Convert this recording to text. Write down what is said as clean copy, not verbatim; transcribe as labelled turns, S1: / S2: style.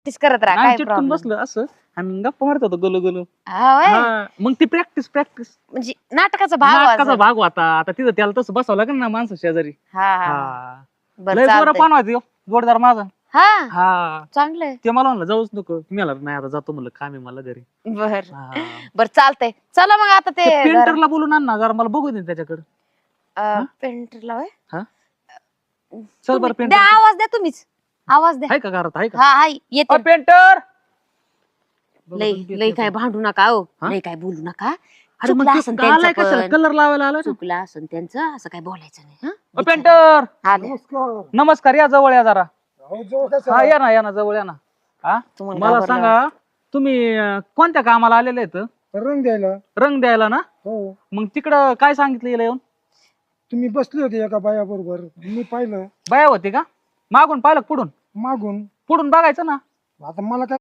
S1: Practice करत राहा, काय
S2: चिटकून
S1: प्रॉब्लेम.
S2: बसलो असं आणि गप्पा मारत होतो गोलू गोलू.
S1: हा व्हय?
S2: मग ती प्रॅक्टिस
S1: म्हणजे नाटकाचा भाग
S2: नाटकाचा
S1: व्हायचा.
S2: भाग होता. आता तिथं त्याला तसं बसावं लागेल ना माणसं शेजारी.
S1: हा हा
S2: हा
S1: बरं
S2: लय बरं
S1: चालतंय.
S2: पान व्हायचं जोडदार माझा.
S1: हा
S2: हा
S1: चांगलंय.
S2: ते मला म्हणलं जाऊच नको, मी आला नाही आता जातो म्हणलं, काम आहे मला घरी.
S1: बर
S2: हा.
S1: बर चालतंय. चला मग आता ते
S2: पेंटरला बोलून आण ना जरा, मला बघू दे त्याच्याकडे.
S1: पेंटरला होय?
S2: हा चल बरं
S1: द्या
S2: पेंटर
S1: आवाज द्या तुम्हीच. आवाज द्या.
S2: आहे का घरात, आहे का
S1: हा हाय येते.
S2: पेंटर?
S1: लय लय काय भांडू नका हो, लय काय बोलू नका.
S2: अरे मग
S1: चुकलं असन
S2: आलाय
S1: त्यांचं
S2: कशाला,
S1: पण.
S2: कलर लावायला आलाय ना.
S1: चुकलं असन त्यांचं, असं काय बोलायचं नाही. हा
S2: पेंटर
S1: आले.
S2: नमस्कार, या जवळ या जरा.
S3: जवळ
S2: हा या ना, या ना जवळ या ना. हा
S1: तुम्हाला
S2: मला
S1: घाबरलं
S2: सांगा तुम्ही कोणत्या कामाला आलेले आहेत?
S3: रंग द्यायला.
S2: रंग द्यायला ना.
S3: हो,
S2: मग तिकडं काय सांगितलं हिला येऊन?
S3: तुम्ही बसले होते एका बाया बरोबर, मी पाहिलं
S2: बाया होती का? मागून पाहिलं का पुढून?
S3: मागून.
S2: पुढून बघायचं ना.
S3: आता मला काय